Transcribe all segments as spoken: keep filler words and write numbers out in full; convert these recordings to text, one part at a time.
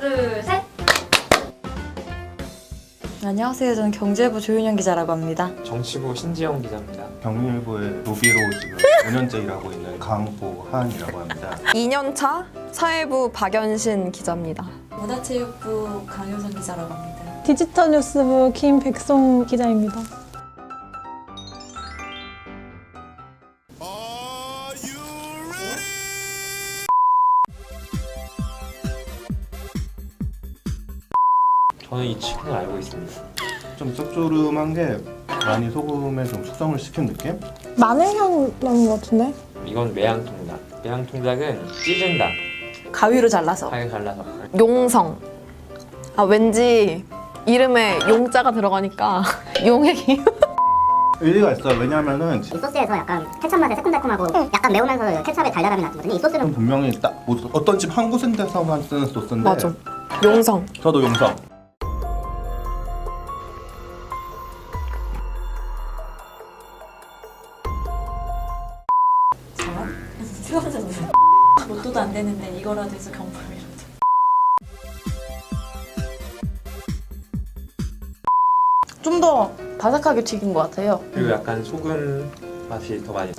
둘, 셋! 안녕하세요. 저는 경제부 조윤영 기자라고 합니다. 정치부 신지영 기자입니다. 경일부의 로비로 지금 오 년째 일하고 있는 강보한이라고 합니다. 이 년 차 사회부 박연신 기자입니다. 문화체육부 강효선 기자라고 합니다. 디지털 뉴스부 김백송 기자입니다. 저는 이 치킨을 알고 있습니다. 좀 짭조름한 게 많이 소금에 좀 숙성을 시킨 느낌? 마늘향 나는 것 같은데? 이건 매양통닭. 매양통닭은 찢은다. 가위로 잘라서. 가위 잘라서. 용성. 아 왠지 이름에 용자가 들어가니까 용의 기운. 의리가 있어요. 왜냐하면은 이 소스에서 약간 케찹 맛의 새콤달콤하고 약간 매우면서 케찹의 달달함이 나거든요. 이 소스는 분명히 딱 뭐 어떤 집 한 곳에서만 쓰는 소스인데 맞아. 용성. 저도 용성. 저런? 수험생들. 로또도 안 되는데 이거라도 해서 경품이라도. 좀 더 바삭하게 튀긴 것 같아요. 그리고 약간 소금 맛이 더 많이.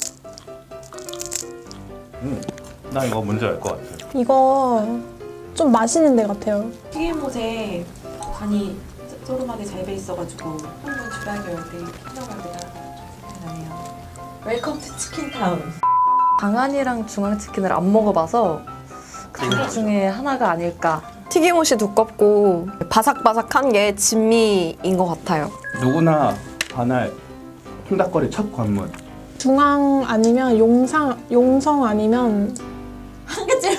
음, 나 이거 뭔지 알 것 같아. 이거 좀 맛있는 데 같아요. 튀김옷에 간이 소름하게 잘 배 있어가지고 한번 주라기 올때 킹덤할 때가 생각나네요. 웰컴 투 치킨타운. 강한이랑 중앙치킨을 안 먹어봐서 그 둘 중에 하나가 아닐까. 튀김옷이 두껍고 바삭바삭한 게 진미인 것 같아요. 누구나 반할 통닭거리 첫 관문. 중앙 아니면 용상, 용성 아니면 한 개쯤.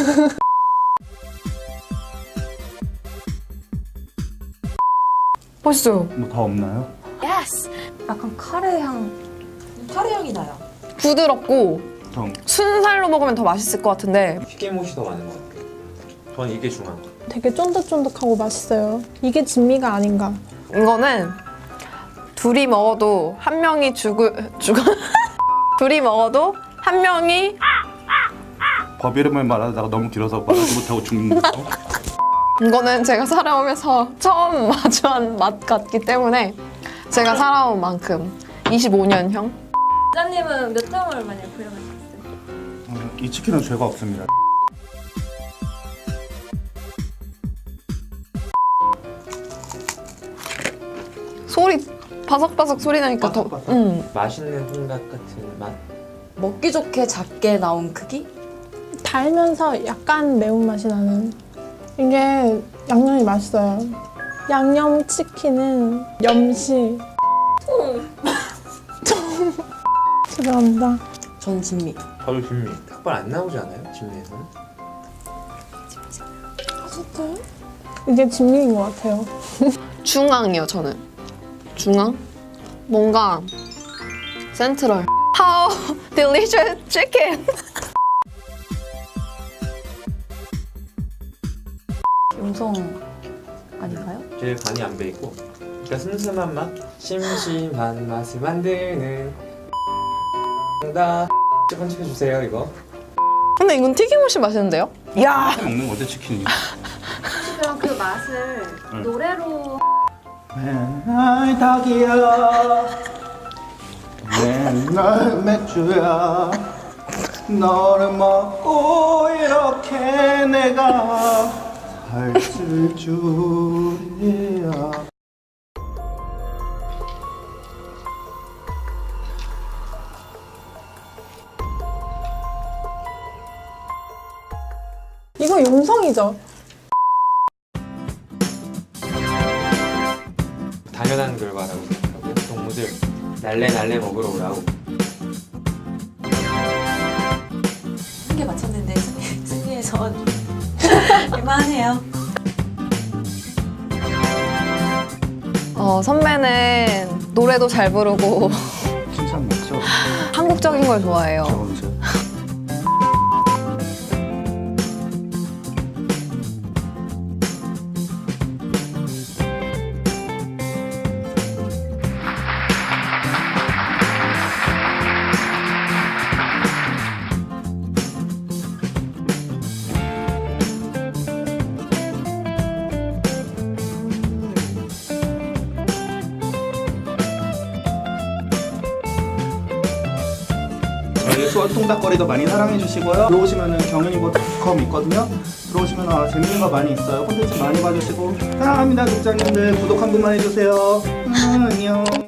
맛있어요. 뭐 더 없나요? 약간 카레 향. 카레 향이 나요. 부드럽고 좀 순살로 먹으면 더 맛있을 것 같은데 튀김옷이 더 많은 것 같아요. 저는 이게 중요한 것 같아요. 되게 쫀득쫀득하고 맛있어요. 이게 진미가 아닌가. 이거는 둘이 먹어도 한 명이 죽을 죽어 둘이 먹어도 한 명이 법 이름을 말하다가 너무 길어서 말하지 못하고 죽는 거. 이거는 제가 살아오면서 처음 마주한 맛 같기 때문에 제가 살아온 만큼 이십오 년형. 기자님은 몇 점을 만약 부여하셨어요? 음, 이 치킨은 죄가 없습니다. 소리 바삭바삭 소리 나니까 더 바삭바삭? 음. 맛있는 통닭 같은 맛. 먹기 좋게 작게 나온 크기? 달면서 약간 매운맛이 나는. 이게 양념이 맛있어요. 양념 치킨은 염시. 죄송합니다. 전 진미. 저도 진미. 닭발 안 나오지 않아요? 진미에서는? 진짜요? 이게 진미인 것 같아요. 중앙이요 저는. 중앙? 뭔가 센트럴. How delicious chicken. 용성 아닌가요? 제일 간이 안 배있고 그러니까 슴슴한 맛, 심심한 맛을 만드는 통닭. 편집해주세요 이거. 근데 이건 튀김옷이 맛있는데요? 야 먹는 거지 치킨이. 그럼 그 맛을 응. 노래로 맨날 닭이야 맨날 맥주야 너를 먹고 이렇게 내가 살쓸 줄이야. 이거 용성이죠? 당연한 결과라고 생각하고요. 동무들 날래 날래 먹으러 오라고. 한 개 맞췄는데 승리, 승리해서 이만해요. 어, 선배는 노래도 잘 부르고 칭찬 맞죠? 한국적인 걸 좋아해요. 저 이제 섹스와 통닭거리도 많이 사랑해 주시고요. 들어오시면은 경연이고 닷컴 있거든요. 들어오시면 아, 재밌는 거 많이 있어요. 콘텐츠 많이 봐주시고 사랑합니다, 국장님들. 구독 한 번만 해주세요. 음, 안녕.